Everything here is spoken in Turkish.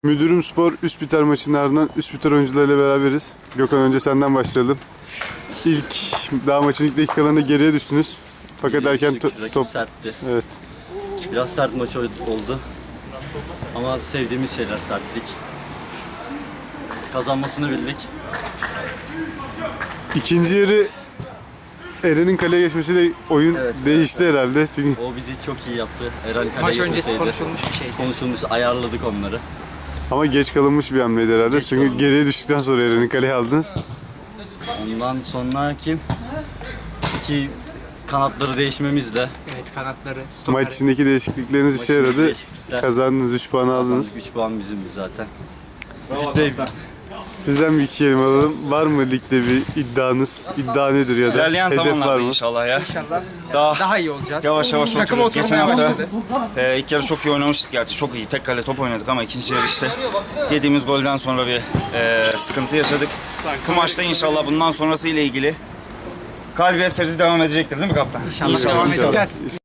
Müdürüm Spor Üsküdar maçının ardından Üsküdar oyuncularıyla beraberiz. Gökhan, önce senden başlayalım. Daha maçın ilk dakikalarında geriye düştünüz. Fakat erken top... sertti. Evet. Biraz sert maç oldu. Ama sevdiğimiz şeyler sertlik. Kazanmasını bildik. İkinci yarı Eren'in kaleye geçmesiyle oyun değişti herhalde. Çünkü O bizi çok iyi yaptı. Eren kaleye Maç öncesi geçmeseydi. konuşulmuş bir şeydi. Konuşulmuş, ayarladık onları. ama geç kalınmış bir hamleydi herhalde. Çünkü kalınmış. geriye düştükten sonra Eren'in kaleye aldınız. Ondan sonra iki kanatları değişmemizle Evet, kanatları, stoper. Maç içindeki değişiklikleriniz işe maçın yaradı. değişiklikler Kazandınız, 3 puan aldınız. kazandık. 3 puan bizimdi zaten. Sizden bir iki kelime alalım. Var mı ligde bir iddianız? İddia nedir ya da İlerleyen hedef var zamanlarda mı? inşallah ya. İnşallah Daha daha iyi olacağız. yavaş yavaş Takım oturuyoruz. Geçen oturmaya hafta başladı. ilk yarı çok iyi oynamıştık gerçi. Çok iyi. Tek kale top oynadık ama ikinci yarı işte yediğimiz golden sonra bir sıkıntı yaşadık. Bu maçta inşallah bundan sonrası ile ilgili galibiyet serisi devam edecektir değil mi kaptan? İnşallah devam edeceğiz.